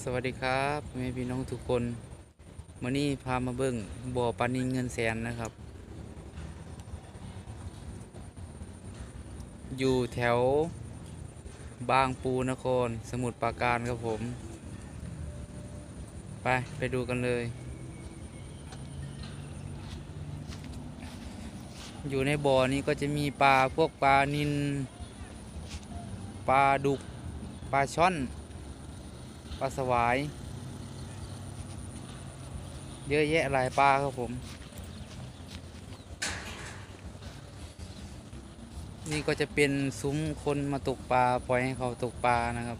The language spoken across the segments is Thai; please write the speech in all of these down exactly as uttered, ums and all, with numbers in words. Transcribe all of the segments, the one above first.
สวัสดีครับแม่พี่น้องทุกคนมื่อนี้พามาเบิ่งบ่อปลานิลเงินแสนนะครับอยู่แถวบางปูนครสมุทรปราการครับผมไปไปดูกันเลยอยู่ในบ่อนี้ก็จะมีปลาพวกปลานิลปลาดุกปลาช่อนปลาสวายเยอะแยะหลายปลาครับผมนี่ก็จะเป็นซุ้มคนมาตกปลาปล่อยให้เขาตกปลานะครับ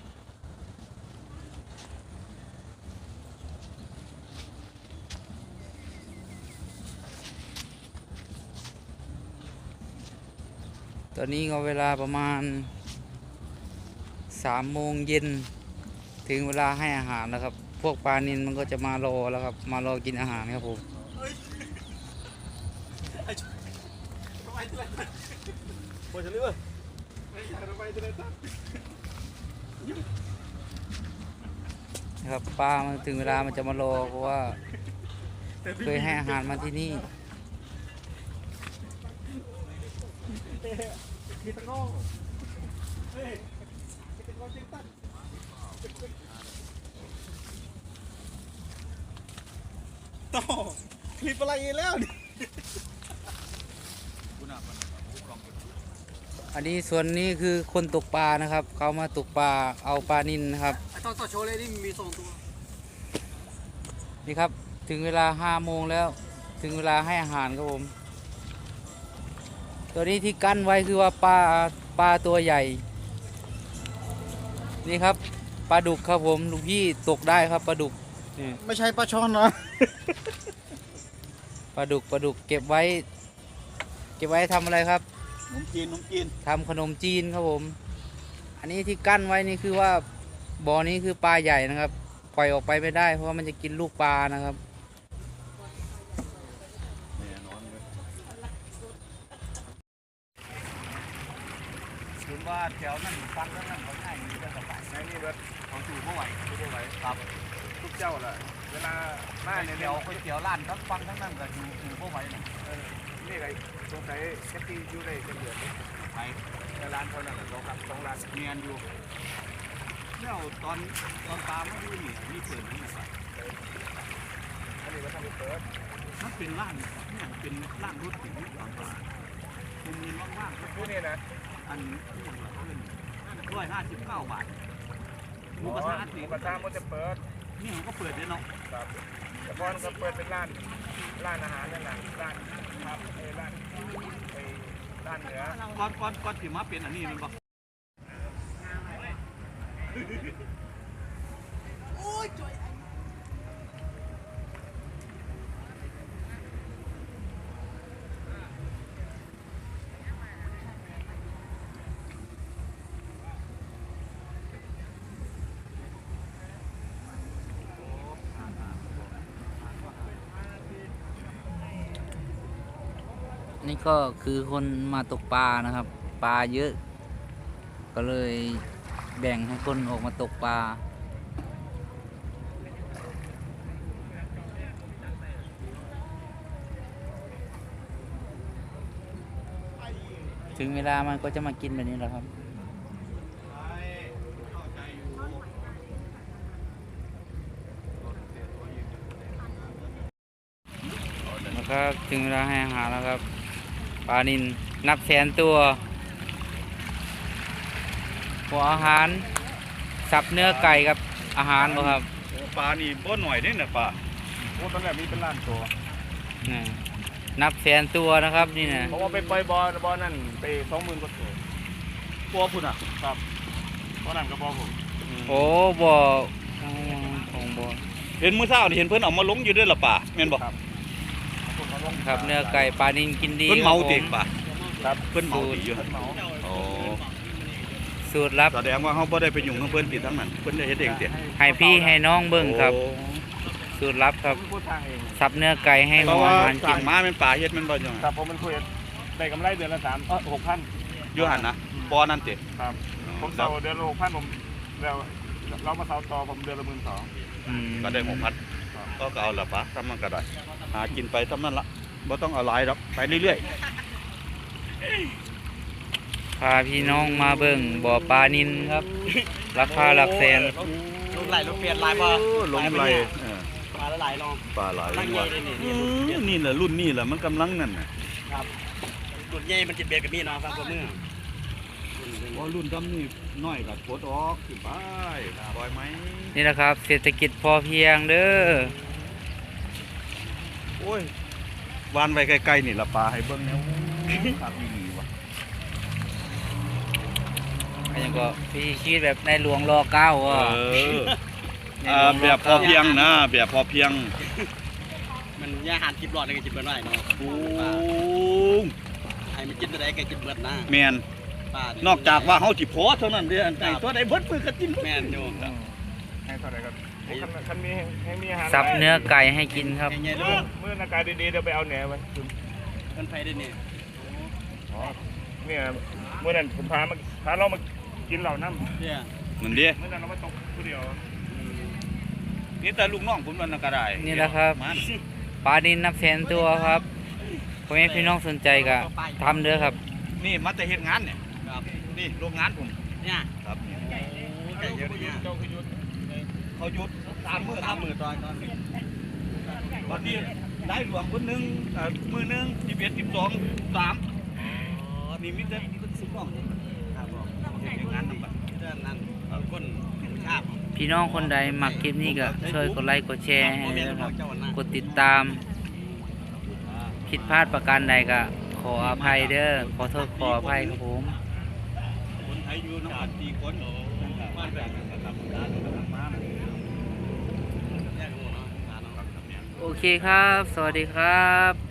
ตอนนี้ก็เวลาประมาณสามโมงเย็นถึงเวลาให้อาหารแล้วครับพวกปลานิลมันก็จะมารอแล้วครับมารอกินอาหารครับผมนะครับปลามันถึงเวลามันจะมารอเพราะว่าเคยให้อาหารมาที่นี่ต่อคลิปอะไรแล้วอันนี้ส่วนนี้คือคนตกปลานะครับเขามาตกปลาเอาปลานิลนะครับตอนต่อโชว์เลยนี่มีสองตัวนี่ครับถึงเวลาห้าโมงแล้วถึงเวลาให้อาหารครับผมตัวนี้ที่กั้นไว้คือว่าปลาปลาตัวใหญ่นี่ครับปลาดุกครับผมลูกพี่ตกได้ครับปลาดุกไม่ใช่ปลาช่อนนะปลาดุกปลาดุกเก็บไว้เก็บไว้ทำอะไรครับขนมจีนขนมจีนทำขนมจีนครับผมอันนี้ที่กั้นไว้นี่คือว่าบ่อนี้คือปลาใหญ่นะครับปล่อยออกไปไม่ได้เพราะว่ามันจะกินลูกปลานะครับคุณว่าแถวนั้นฟังแล้วนั่นเขาง่ายมีเรื่องสบายในนี่เบิร์ดเขาจู่เมื่อไหร่จู่เมื่อไหร่ครับทุกเจ้าแหละเวลาหน้าเนี่ยเดี๋ยวก๋วยเตี๋ยวร้านทั้งฟังทั้งนั้นก็อยู่อยู่เมื่อไหร่เนี่ยนี่ไงสงสัยแค่ที่อยู่ได้เป็นเดือนนี้ไปร้านเท่านั้นสองครับสองร้านเมียนอยู่เนี่ยตอนตอนตามมาดูนี่มีเปิดนี่ครับอันนี้มันทำเป็นเปิดมันเป็นร้านเนี่ยเป็นร้านรถติดตอนตาคุณเงินว่างๆพวกนี้นะอันนี้อย่างละเพื่อนร้อยห้าสิบเก้าบาทหมูกระทะหมูกระทะมันจะเปิดนี่มันก็เปิดด้วยเนาะครับแต่ก่อนก็เปิดเป็นร้านร้านอาหารนั่นแหละร้านครับไอ้ร้านไอ้ร้านเหนือก่อนก่อนก่อนที่มาเป็นอันนี้มันบอกโอ้ยจ่อยนี่ก็คือคนมาตกปลานะครับปลาเยอะก็เลยแบ่งให้คนออกมาตกปลาถึงเวลามันก็จะมากินแบบนี้แหละครับแล้วก็ถึงเวลาให้อาหารแล้วครับปลานิลนับแสนตัวหัวอาหารสับเนื้อไก่กับอาหารบ่ครับปลานี่บ่หน่อยนี่นะปลาโอ้ตอนแรกมีเป็นล้านตัวนับแสนตัวนะครับนี่นะเพราะว่าไปปล่อยบอลบอลนั่นไปสองหมื่นกว่าตัวปัวพุ่นอ่ะครับเพราะนั่นก็บ่ผมโอ้บ่ของบ่เห็นมื้อเช้านี่เห็นเพิ่นเอามาลงอยู่ด้วยล่ะป่าแม่นบ่ครับครับเนื้อไก่ปลานิลกินดีเพิ่นเมาติป่ะครับเพิ่นเมาติอยู่โอ้สูตรลับแสดงว่าเฮาบ่ได้ไปยุ่งกับเพิ่นติทั้งนั้นเพิ่นได้เฮ็ดเองติให้พี่ให้น้องเบิ่งครับสูตรลับครับสับเนื้อไก่ให้หัวอาหารกินมาเป็นป่าเฮ็ดมันบ่จังครับผมมันคุยได้กำไรเดือนละสามหกพันอยู่หั่นนะบ่นั่นติครับผมเซาเดือนละหกพันผมแล้วเรามาเสาต่อผมเดือนละหมื่นสองอืมก็ได้หกพันก็เอาละปะทำมันก็ได้หากินไปทำนั่นละบ่ต้องเอาหลายหรอกไปเรื่อยพาพี่น้องมาเบิ่งบ่อปลานิลครับ ราคาหลักแสนลูกไหลลูกเปลี่ยนลายบ่ลงไหลเออปลาละหลายลองปลาไหลตั้งใหญ่เลยนี่นี่อืมนี่แหละรุ่นนี่แหละมันกำลังนั่นน่ะครับดุดใหญ่มันจิตเบียดกับมีเนาะฟังคนเมื่อพอรุ่นดำนี่น้อยก็กดออกขึ้นไปปล่อยไหมนี่นะครับ เศรษฐกิจพอเพียงเด้อโอ้ยวานไว้ไกลๆนี่ละปลาให้เบิ่งแนวครับนี่วะอันนี้ก็พี่คิดแบบในหลวงรอเก้าเออ่ะออ่าแบบพอเพียงนะแบบพอเพียงมันย่าหานจิบหลอดเลยก็จิบเบิดได้เนาะปูงให้มันจิบได้ก็จิบเบิดนะแมนปลานอกจากว่าเฮาสิพอเท่านั้นเด้ออันไหนตัวใดเบิดมือก็กินแม่นอยู่ให้เท่าไหร่ครับคันมีให้มีอาหารสับเนื้อไก่ให้กินครับใหญ่ๆลูเมื่อก เมื่ออากาศดีๆเดี๋ยวไปเอาแหนไว้กันไผได้นี่อ๋อเนี่ยเมื่อนั้นผมพามาพาเรามากินเหล่าน้ำเนี่ยนั่นดิเมื่อนั้นเรามาตกผู้เดียวนี่แต่ลูกน้องผมนั่นนะก็ได้นี่แหละครับมันปลานิลนับแสนตัวครับพ่อแม่พี่น้องสนใจก็ทำเด้อครับนี่มาแต่เฮ็ดงานเนี่ยครับนี่โรงงานผมเนี่ยครับนี่ไก่เยอะเนี่ยเจ้าคือยุทธเขาหยุดสามมื้อสามมือตอนตอนวันนี้ได้หลวงคนหนึงเอ่อมื้อหนึงสิบเอ็ด สิบสอง สามนี่มีแต่สิบน้องครับผมเฮ็ดงานนำบัดเรื่องนั้นคนชาบพี่น้องคนใดมักคลิปนี้ก็ช่วยกดไลค์กดแชร์ให้ด้วยนะครับ กดติดตาม ผิดพลาดประการใดก็ขออภัยเด้อ ขอโทษขออภัยครับผมคนไทยอยู่นำกันสี่คนบ้านแบ่งกันครับมาแยกหัวเนาะโอเคครับ สวัสดีครับ